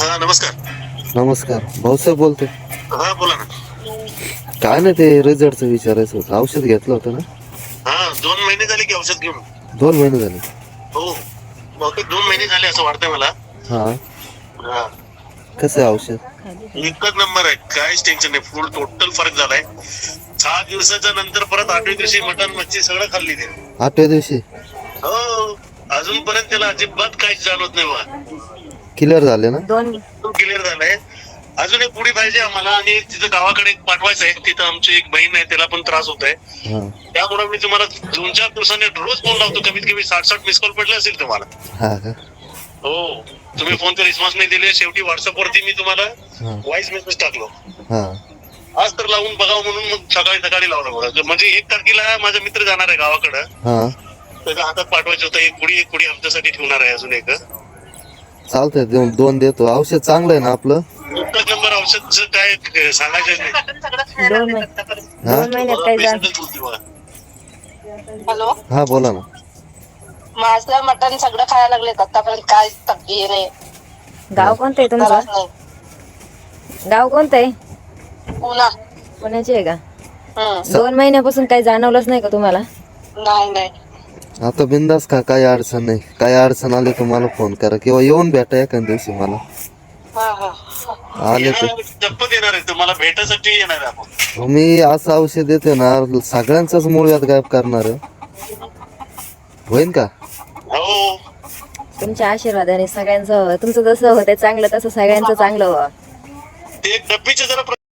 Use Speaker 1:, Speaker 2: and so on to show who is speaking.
Speaker 1: हा नमस्कार.
Speaker 2: नमस्कार, भाऊसाहेब बोलतोय.
Speaker 1: हा बोला ना.
Speaker 2: काय नाही, ते रिझल्टचं विचारायचं होतं. औषध घेतलं होतं ना?
Speaker 1: हा 2 महिने झाले की औषध घेऊन.
Speaker 2: 2 महिने झाले.
Speaker 1: हो बहुतेक 2 महिने झाले असं वाटतंय मला.
Speaker 2: हा,
Speaker 1: हा
Speaker 2: कसं आहे औषध?
Speaker 1: एकच नंबर आहे, काहीच टेन्शन नाही. फुल टोटल फरक झालाय. 6 दिवसाच्या नंतर परत 8व्या दिवशी मटण मच्छी सगळं खाल्ली ते.
Speaker 2: 8व्या दिवशी
Speaker 1: हो अजूनपर्यंत त्याला अजिबात काहीच जाणवत नाही बा.
Speaker 2: क्लिअर झाले ना?
Speaker 1: क्लिअर झालंय. अजून एक पुडी पाहिजे आम्हाला, आणि तिथं गावाकडे एक पाठवायचं आहे. तिथं आमची एक बहीण आहे, त्याला पण त्रास होत आहे.
Speaker 2: हा
Speaker 1: त्यामुळे मी तुम्हाला 2-4 दिवसांनी रोज फोन लावतो. कमीत कमी 60 मिस कॉल पडले असेल तुम्हाला.
Speaker 2: हा का?
Speaker 1: हो तुम्ही फोनचा रिस्पॉन्स नाही दिले. शेवटी व्हॉट्सअप वरती मी तुम्हाला
Speaker 2: हा
Speaker 1: व्हॉइस मेसेज टाकलो.
Speaker 2: हा
Speaker 1: आज तर लावून बघावं म्हणून मग सकाळी लावलं बघा. म्हणजे 1 तारखेला माझा मित्र जाणार आहे गावाकडं.
Speaker 2: हा
Speaker 1: त्याच्या हातात पाठवायचं होतं. एक पुडी आमच्यासाठी ठेवणार आहे अजून एक.
Speaker 2: चालतंय, दोन देतो. औषध चांगलं आहे ना आपलं?
Speaker 1: एकच नंबर औषधचं काय सांगायचं नाही.
Speaker 2: हा
Speaker 3: 2 महिन्यात काही जाण.
Speaker 1: पेशंटच बोलते बघा.
Speaker 4: हॅलो,
Speaker 2: हा बोला ना.
Speaker 4: माझं मटण सगळं खायला लागलेत आतापर्यंत. काय तब्येत नाही,
Speaker 3: गाव कोणतं आहे
Speaker 4: त्रास
Speaker 3: तुमचं?
Speaker 4: नाही.
Speaker 3: गाव कोणतं आहे?
Speaker 4: पुन्हा
Speaker 3: पुण्याचे आहे का? 2
Speaker 4: हम्म.
Speaker 3: महिन्यापासून काही जाणवलंच नाही का तुम्हाला?
Speaker 4: नाही.
Speaker 2: आता बिंदास का, काही अडचण नाही. काही अडचण आली तर मला फोन करा, किंवा येऊन भेटा एखाद्या दिवशी मला.
Speaker 4: हा.
Speaker 2: आले तर
Speaker 1: जप्पत येणार आहे, तुम्हाला भेटायसाठी येणार आहे आपण.
Speaker 2: मी असं औषध देते ना, सगळ्यांचाच मूळव्याध गायब करणार आहे. होईन का?
Speaker 1: हो
Speaker 3: तुमच्या आशीर्वादाने सगळ्यांचं, तुमचं जसं होतं चांगलं तसं सगळ्यांचं चांगलं व्हावं.
Speaker 1: ते डब्बीचे जरा